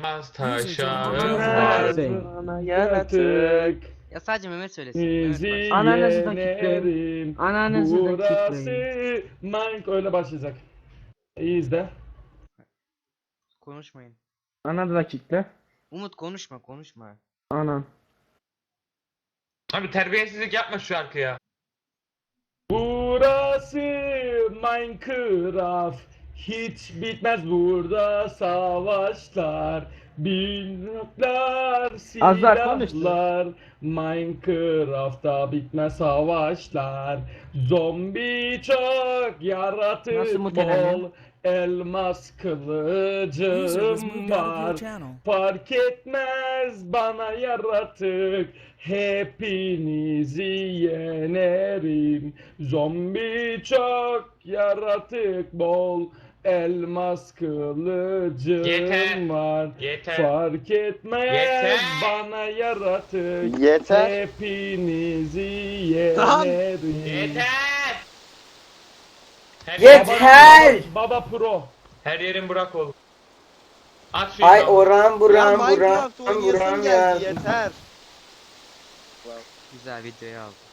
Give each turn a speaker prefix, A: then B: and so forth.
A: elmas taşa
B: Bana yaratık.
C: Ya sadece Mehmet söylesin. Mehmet
B: Bizi
C: başlasın.
D: Ananızı da
B: yenerim.
D: Ananızı da
B: Burası
D: kitleyin.
B: Minecraft öyle başlayacak. İyi izle.
C: Konuşmayın.
D: Ananı da kitle.
C: Umut konuşma.
D: Anan.
A: Abi terbiyesizlik yapma şu şarkıya.
B: Burası Minecraft. Hiç bitmez burada savaşlar. Binler,
D: Az daha konuştu.
B: silahlar. Minecraft'ta bitmez savaşlar. Zombi çok, yaratık
D: Nasıl muteleniyor?
B: bol. Elmas
E: User was
B: kılıcım
E: moved out of your
B: var.
E: channel.
B: Fark etmez bana yaratık. Hepinizi yenerim. Zombi çok, yaratık bol. Elmas kılıcım
A: Yeter.
B: var.
A: Yeter.
B: Fark etmez
A: Yeter.
B: bana yaratık.
F: Yeter.
B: Hepinizi
F: Tamam.
B: yenerim.
A: Yeter. Her
G: Yeter!
B: Baba Pro.
A: Her yerin Burak ol. At şu
G: Ay
A: imamı.
G: oran
F: Ya
G: buran
F: Minecraft
G: buran
F: oynayasım
G: buran
F: geldi
G: ya.
F: yeter.
C: Güzel videoyu aldım.